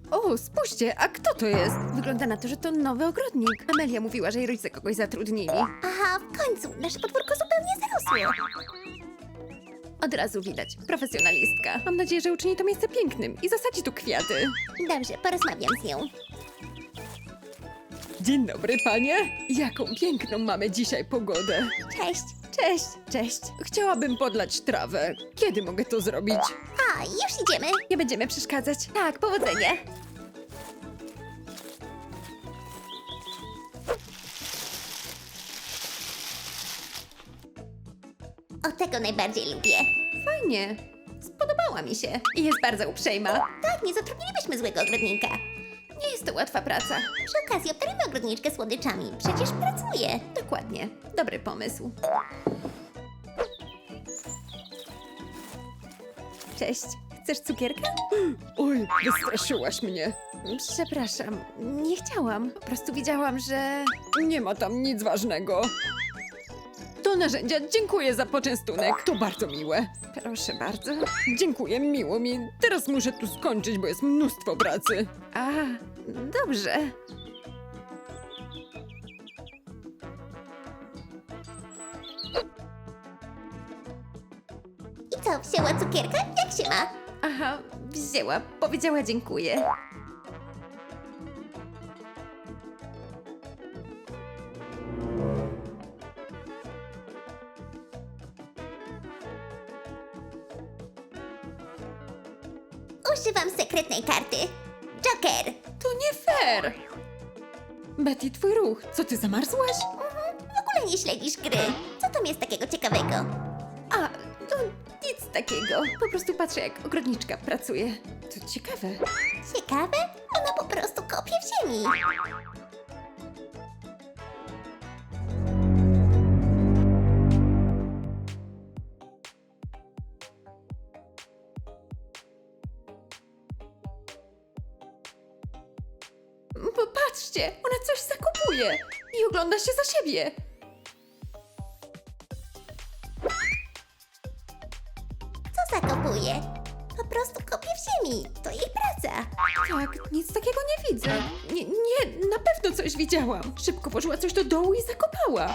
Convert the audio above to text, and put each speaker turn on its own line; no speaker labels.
O, spójrzcie, a kto to jest? Wygląda na to, że to nowy ogrodnik. Amelia mówiła, że jej rodzice kogoś zatrudnili.
Aha, w końcu, nasze podwórko zupełnie zarosło.
Od razu widać, profesjonalistka. Mam nadzieję, że uczyni to miejsce pięknym i zasadzi tu kwiaty.
Dobrze, porozmawiam z nią.
Dzień dobry, panie. Jaką piękną mamy dzisiaj pogodę.
Cześć.
Cześć, cześć. Chciałabym podlać trawę. Kiedy mogę to zrobić?
A, już idziemy.
Nie będziemy przeszkadzać.
Tak, powodzenia. O, tego najbardziej lubię.
Fajnie. Spodobała mi się. I jest bardzo uprzejma.
Tak, nie zatrudnilibyśmy złego ogrodnika.
Nie jest to łatwa praca.
Przy okazji obdarujmy ogrodniczkę słodyczami. Przecież pracuje.
Dokładnie. Dobry pomysł. Cześć. Chcesz cukierka? Oj, wystraszyłaś mnie. Przepraszam, nie chciałam. Po prostu widziałam, że... Nie ma tam nic ważnego. Do narzędzia dziękuję za poczęstunek. To bardzo miłe. Proszę bardzo. Dziękuję, miło mi. Teraz muszę tu skończyć, bo jest mnóstwo pracy. A, dobrze.
I co, wzięła cukierka? Jak się ma?
Aha, wzięła. Powiedziała dziękuję.
Używam sekretnej karty. Joker.
To nie fair! Betty, twój ruch. Co, ty zamarzłaś?
W ogóle nie śledzisz gry. Co tam jest takiego ciekawego?
A, to nic takiego. Po prostu patrzę, jak ogrodniczka pracuje. To ciekawe.
Ciekawe? Ona po prostu kopie w ziemi.
Popatrzcie, ona coś zakupuje i ogląda się za siebie.
Co zakopuje? Po prostu kopie w ziemi. To jej praca.
Tak, nic takiego nie widzę. Nie, na pewno coś widziałam. Szybko włożyła coś do dołu i zakopała.